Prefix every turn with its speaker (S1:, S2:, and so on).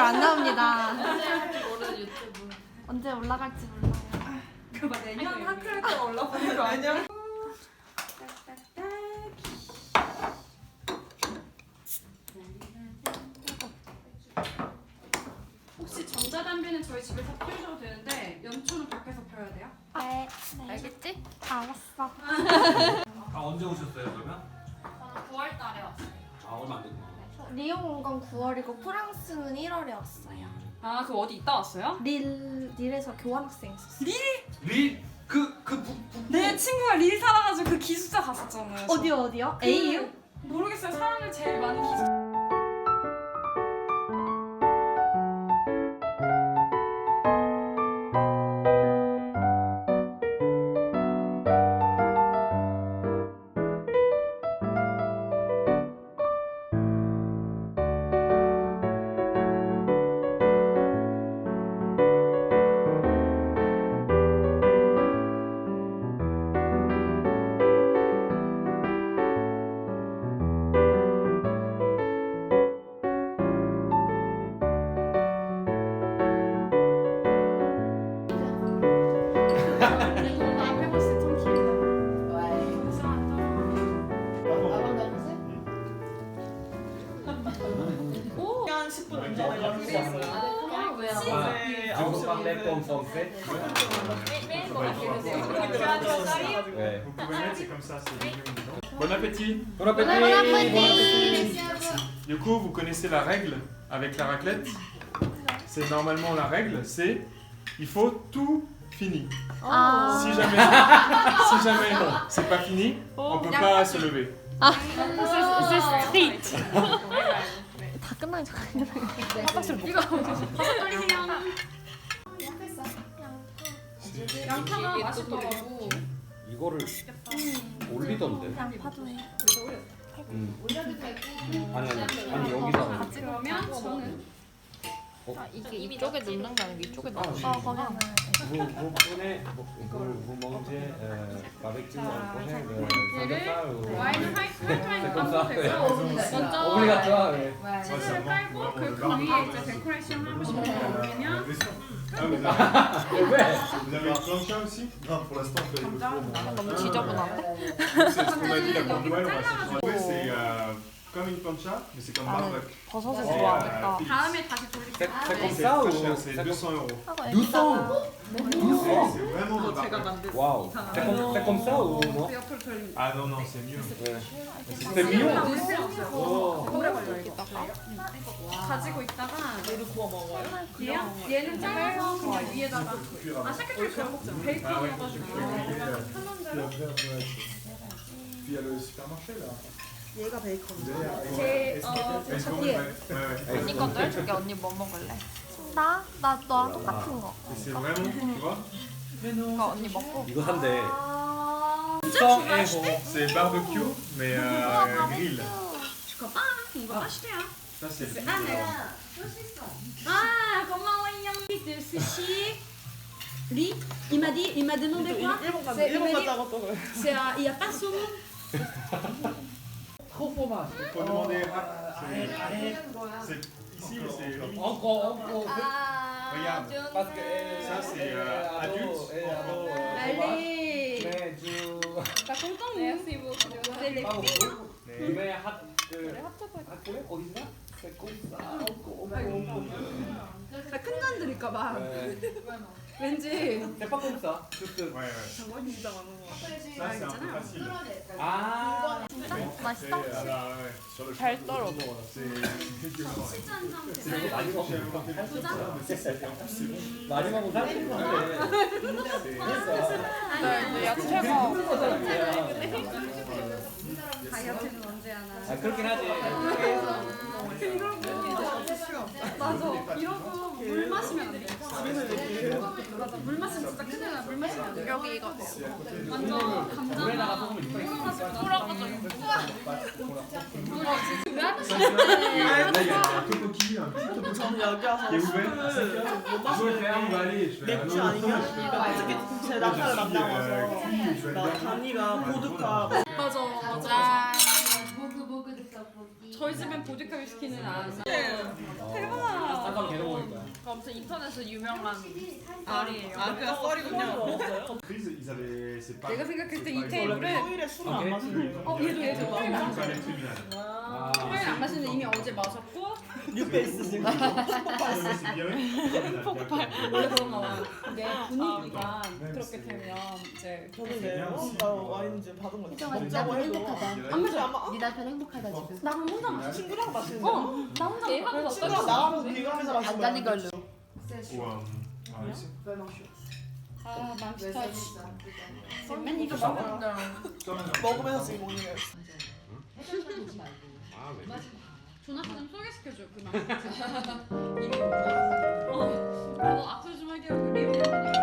S1: 안 나옵니다.
S2: 언제 할지 모르는 유튜브.
S1: 언제 올라갈지 몰라요.
S3: 그막 내년 하크레터 올라가는 거 아니야?
S4: 혹시 전자담배는 저희 집에서 피우셔도 되는데 연초는 밖에서 펴야 돼요?
S1: 네.
S2: 알겠지?
S1: 알았어.
S5: 아 언제 오셨어요 그러면?
S2: 9월 달에 왔어요.
S5: 아 얼마 안 됐네.
S1: 리옹 온 건 9월이고 프랑스는 1월에 왔어요.
S4: 아, 그 어디 있다 왔어요?
S1: 릴에서 교환학생 있었어요.
S4: 내 친구가 릴 살아가지고 그 기숙사 갔었잖아요.
S1: 어디요? AU?
S4: 모르겠어요. 사람을 제일 많은 기숙사.
S3: 한 10분 전에 연습했어요. 네,
S5: Je vous
S3: 9시
S5: parlais comme français. Ouais.
S6: Vous pouvez mettre, c'est comme ça, c'est mignon dedans. Bon appétit.
S5: Bon appétit.
S6: Du coup, vous connaissez la règle avec la raclette. C'est normalement la règle, c'est il faut tout fini.
S1: 아.
S6: Si jamais c'est pas fini, on peut pas se lever.
S1: 스트리트. 다 끝나기 전에 화장실 못 가.
S4: 양파가 맛있더라고.
S5: 이거를 올리던데.
S1: 양파도 해.
S5: 아니 여기다.
S4: 그러면 저는
S2: 이게 이쪽에 넣는 게 아니고 이쪽에 넣는
S1: 거기 하나.
S5: Vous prenez, vous mangez avec du prochain
S4: 와인을 화이트와인
S5: comme ça.
S4: 넣어도 되고 먼저
S5: Obligatoire. Ouais.
S4: 치즈를 깔고 그 위에 이제 데코레이션 하고 싶은 거 올리면
S6: Ah, vous avez
S5: Ouais.
S6: un plancha aussi?
S7: Non, pour l'instant, on fait les cours.
S2: 너무 지저분한데?
S6: C'est ce qu'on m'a dit la pour Noël, on va se trouver, c'est comme une plancha, mais c'est comme barbecue.
S1: 버섯을
S6: C'est,
S1: 좋아하니까.
S4: 다음에 다시 돌릴게요.
S5: C'est comme
S6: C'est
S5: ça
S6: très
S5: ou
S6: cher, c'est 200 €.
S1: 하고
S5: 200.
S6: C'est vraiment de
S3: 제가
S6: barbecue.
S3: 만든
S5: Waouh. C'est comme ça ou non?
S4: 그 옆으로 돌리면
S6: Ah non, non, c'est mieux.
S5: Ouais.
S6: C'est
S5: C'est mieux.
S6: Oh.
S4: 오래 걸려요 이거. 가지고 있다가
S3: 얘를 구워 먹어요.
S4: 얘요? 얘는 잘라서 그냥 위에다가 아 샤케트 그냥 먹자. 베이컨
S6: Ah ouais.
S4: 넣어가지고 편한 대로
S7: Puis il y a le supermarché là.
S3: 얘가 베이컨이죠.
S4: 제
S6: Est-ce qu'on
S4: 뒤에
S6: ouais, ouais.
S2: 언니 것도 해줄게. 언니 뭐 먹을래?
S1: 나 너랑 똑같은 거.
S6: Et c'est vraiment, tu vois,
S2: 그러니까 언니 먹고.
S5: 이거 산대.
S1: 아.
S5: 100 €.
S6: c'est barbecue, mais grill.
S4: 주커빵 이거 맛있대요.
S6: Ça, c'est le
S4: Ah, Ah, 고마워요. 그 스시 리 il m'a demandé quoi?
S3: 일본 갔다
S4: C'est-
S3: 일본
S4: il m'a dit-
S3: 갔다고 또 그래.
S4: C'est il y a pas saumon.
S5: Trop fromage.
S6: Il faut demander. C'est ici, c'est limite.
S5: Encore.
S6: Regarde.
S5: Parce que
S6: Ça, c'est adulte.
S4: Allez.
S5: Mais du.
S4: T'as content Merci beaucoup. C'est les
S5: Pas
S4: filles.
S5: beaucoup. Mais 학교에 어디서? C'est comme ça.
S4: 큰 잔 드릴까봐.
S5: Ouais.
S4: 왠지
S5: C'est pas comme ça. Juste.
S6: Ouais, ouais.
S3: 장관이 진짜 많은 거 같아.
S6: Ça, c'est un peu facile.
S5: Ah.
S1: 맛있어?
S6: Ouais. Sur le
S2: 잘 떨어져.
S6: c'est
S5: 많이 먹으면 많이 먹으면 살찌는 건데.
S2: 근데 야채가
S4: 다이어트는 언제 하나.
S5: 아 그렇긴 하지.
S4: 맞아. 이러고 물 마시면 안 돼. 맞아. 물 마시면 진짜 큰일 나. 물 마시면 안 돼.
S2: 여기 이거
S4: 완전
S5: 물에다가
S4: 감자나
S5: 소금을 입고
S6: Là, il y a un topoki, un petit topoki
S3: 저는 여기 와서
S6: qui est ouvert.
S3: 못
S6: Je veux le faire, on va
S3: 마시는데
S6: aller. Je fais
S3: 맥주 아니면 어떻게 제 남자를 만나봐서 나 단이가 보드카
S4: 맞아.
S2: 짠.
S4: 보그 보그 듣다고. 저희 집엔 보드카 위스키는 안 나.
S5: 쌀가루 계속 먹으니까.
S2: 아무튼 인터넷에서 유명한 말이에요.
S3: 아 그냥 썰이군요.
S6: Prise, ils avaient. C'est pas.
S4: 내가 생각했을 때
S6: c'est
S4: 이
S6: pas
S4: 테이블에
S3: 토요일에 술을 안 마시는 거.
S4: 얘도
S6: une palais criminelle.
S4: 화요일 안 마시는 이미 어제 마셨고
S3: 뉴페이스 지금.
S6: C'est bien. 폭발.
S4: 원래 그런가 봐. 근데 분위기가 그렇게 되면 이제
S3: 저는 내요. 나 와인 이제 받은 거
S1: 혜정아, 네
S3: 먹자고
S1: 남편
S3: 해도.
S1: 행복하다.
S3: 안 마셔 안 마.
S1: 네 남편 행복하다 지금.
S4: 나 혼자 마셔.
S3: 친구랑 마시는데.
S4: 나 혼자 마셔.
S3: 친구랑 나하고 비교하면서 마시는
S1: 간단히 걸로.
S6: Ou ah, ici.
S4: 아 맘스터 맨 이거 먹어.
S3: 먹으면서 지금 먹는 거예요.
S4: 조나스 좀 소개시켜줘 그 맘스터. 이미 나도 악수 좀 할게요. 그 리오.